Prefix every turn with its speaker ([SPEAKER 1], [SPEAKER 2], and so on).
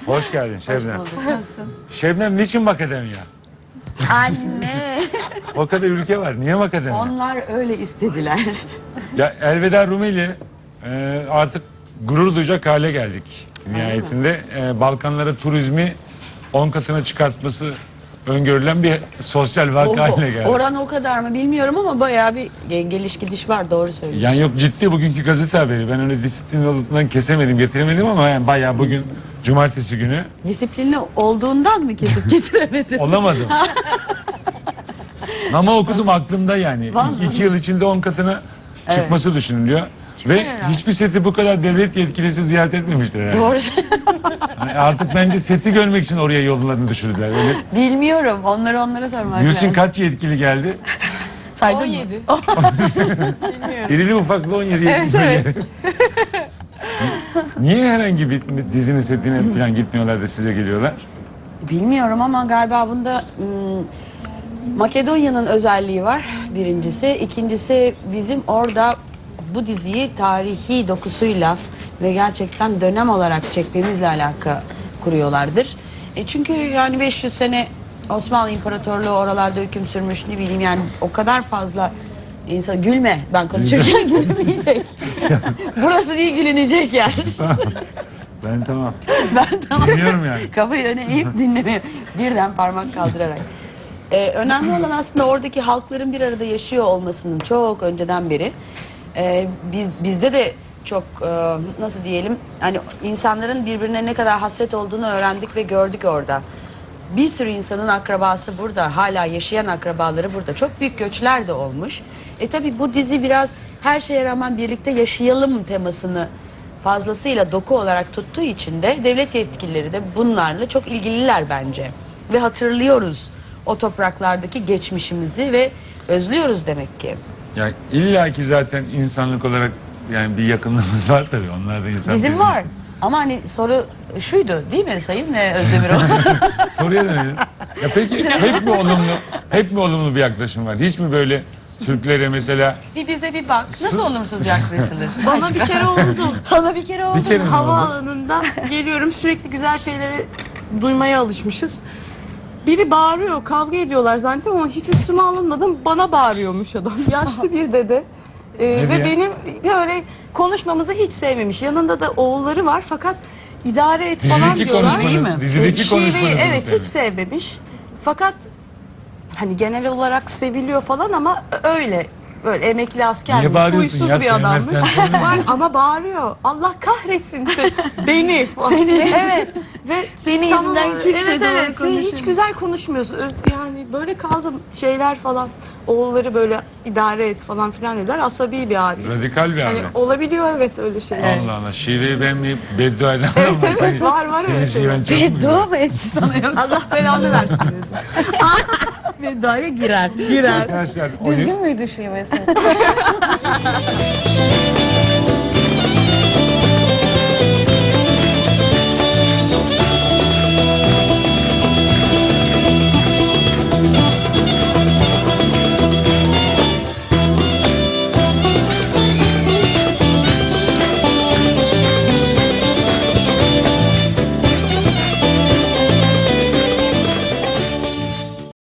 [SPEAKER 1] Hoş geldin Şebnem.
[SPEAKER 2] Nasılsın?
[SPEAKER 1] Şebnem niçin Makedonya?
[SPEAKER 2] Anne.
[SPEAKER 1] O kadar ülke var. Niye Makedonya?
[SPEAKER 2] Onlar öyle istediler.
[SPEAKER 1] Ya elveda Rumeli artık gurur duyacak hale geldik. Nihayetinde Balkanlara turizmi 10 katına çıkartması öngörülen bir sosyal vaka haline geldi.
[SPEAKER 2] Oran o kadar mı bilmiyorum ama bayağı bir geliş gidiş var, doğru söylüyorsun.
[SPEAKER 1] Yani yok, ciddi bugünkü gazete haberi. Ben öyle disiplin olduğundan kesemedim, getiremedim ama yani bayağı bugün cumartesi günü
[SPEAKER 2] Disiplinli olduğundan mı kesip getiremedin?
[SPEAKER 1] olamadım. Ama okudum aklımda yani.
[SPEAKER 2] Vallahi.
[SPEAKER 1] 2 yıl içinde 10 katına çıkması düşünülüyor. Ve
[SPEAKER 2] herhalde.
[SPEAKER 1] hiçbir seti bu kadar devlet yetkilisi ziyaret etmemiştir herhalde.
[SPEAKER 2] Doğru.
[SPEAKER 1] Yani artık bence seti görmek için oraya yollarını düşürdüler. Öyle.
[SPEAKER 2] Bilmiyorum. Onlara sormak
[SPEAKER 1] Gülçin
[SPEAKER 2] lazım.
[SPEAKER 1] kaç yetkili geldi?
[SPEAKER 2] Saydın
[SPEAKER 3] 17.
[SPEAKER 2] mı?
[SPEAKER 3] Bilmiyorum.
[SPEAKER 1] İrili ufaklı 17 yetkili.
[SPEAKER 3] Evet.
[SPEAKER 1] Niye herhangi bir dizinin setine falan gitmiyorlar da size geliyorlar?
[SPEAKER 2] Bilmiyorum ama galiba bunda Makedonya'nın özelliği var birincisi. İkincisi bizim orada bu diziyi tarihi dokusuyla ve gerçekten dönem olarak çekmemizle alaka kuruyorlardır. Çünkü yani 500 sene Osmanlı İmparatorluğu oralarda hüküm sürmüş, ne bileyim yani o kadar fazla insan, gülme, ben konuşurken gülmeyecek. Burası değil, gülünecek yer.
[SPEAKER 1] Ben tamam.
[SPEAKER 2] Ben tamam.
[SPEAKER 1] Dinliyorum yani.
[SPEAKER 2] Kafayı öne eğip dinlemiyor. Birden parmak kaldırarak. Önemli olan aslında oradaki halkların bir arada yaşıyor olmasının çok önceden beri. Bizde de çok nasıl diyelim, hani insanların birbirine ne kadar hasret olduğunu öğrendik ve gördük orada. Bir sürü insanın akrabası burada, hala yaşayan akrabaları burada. Çok büyük göçler de olmuş. Tabii bu dizi biraz her şeye rağmen birlikte yaşayalım temasını fazlasıyla doku olarak tuttuğu için de devlet yetkilileri de bunlarla çok ilgililer bence. Ve hatırlıyoruz o topraklardaki geçmişimizi ve özlüyoruz demek ki.
[SPEAKER 1] Ya illa ki zaten insanlık olarak yani bir yakınlığımız var tabii. Onlar da insan.
[SPEAKER 2] Bizim
[SPEAKER 1] biz
[SPEAKER 2] var.
[SPEAKER 1] de
[SPEAKER 2] Ama hani soru şuydu değil mi Sayın Özdemiroğlu?
[SPEAKER 1] insan. Soruya dönelim. Ya peki hep mi olumlu bir yaklaşım var? Hiç mi böyle Türklere mesela
[SPEAKER 2] Bir bize bir bak. Nasıl olumsuz yaklaşılır?
[SPEAKER 3] Bana bir kere oldu.
[SPEAKER 2] Sana bir kere oldu.
[SPEAKER 1] bir kere mi oldu?
[SPEAKER 3] Havaalanından geliyorum, sürekli güzel şeyleri duymaya alışmışız. Biri bağırıyor, kavga ediyorlar zannettim ama hiç üstüme alınmadım. Bana bağırıyormuş adam. Yaşlı bir dede. Ve
[SPEAKER 1] diye?
[SPEAKER 3] benim böyle konuşmamızı hiç sevmemiş. Yanında da oğulları var fakat idare et falan
[SPEAKER 1] dizideki
[SPEAKER 3] diyorlar.
[SPEAKER 2] Şiveyi mi?
[SPEAKER 1] konuşmanız, dizideki
[SPEAKER 3] Şiveyi,
[SPEAKER 1] konuşmanız
[SPEAKER 3] evet, hiç sevmemiş. Fakat hani genel olarak seviliyor falan ama öyle. Böyle emekli
[SPEAKER 1] Niye
[SPEAKER 3] askermiş,
[SPEAKER 1] bağırıyorsun
[SPEAKER 3] huysuz
[SPEAKER 1] ya?
[SPEAKER 3] bir adammış.
[SPEAKER 1] Sevmezsen söyleme.
[SPEAKER 3] Var ama bağırıyor. Allah kahretsin beni.
[SPEAKER 2] Seni.
[SPEAKER 3] Evet. Ve
[SPEAKER 2] Senin
[SPEAKER 3] tamam,
[SPEAKER 2] yüzünden kimse
[SPEAKER 3] evet,
[SPEAKER 2] doğru
[SPEAKER 3] evet, sen hiç
[SPEAKER 2] konuşamıyor.
[SPEAKER 3] güzel konuşmuyorsun. Yani böyle kaldım, şeyler falan. Oğulları böyle idare et falan filan dediler. Asabi bir abi.
[SPEAKER 1] Radikal bir abi.
[SPEAKER 3] Hani olabiliyor, evet, öyle şeyler.
[SPEAKER 1] Allah Allah. Şiveyi beğenmeyip beddua eden
[SPEAKER 3] Evet,
[SPEAKER 1] ama
[SPEAKER 3] evet,
[SPEAKER 1] senin-
[SPEAKER 3] var
[SPEAKER 1] senin
[SPEAKER 3] öyle
[SPEAKER 1] şiven
[SPEAKER 3] şeyler.
[SPEAKER 1] çok mu güzel?
[SPEAKER 2] Beddua mı etti sana yoksa?
[SPEAKER 3] Allah belanı versin dedi.
[SPEAKER 2] Bedduaya girer.
[SPEAKER 3] Girer.
[SPEAKER 1] Arkadaşlar
[SPEAKER 2] Düzgün müydü şivesi?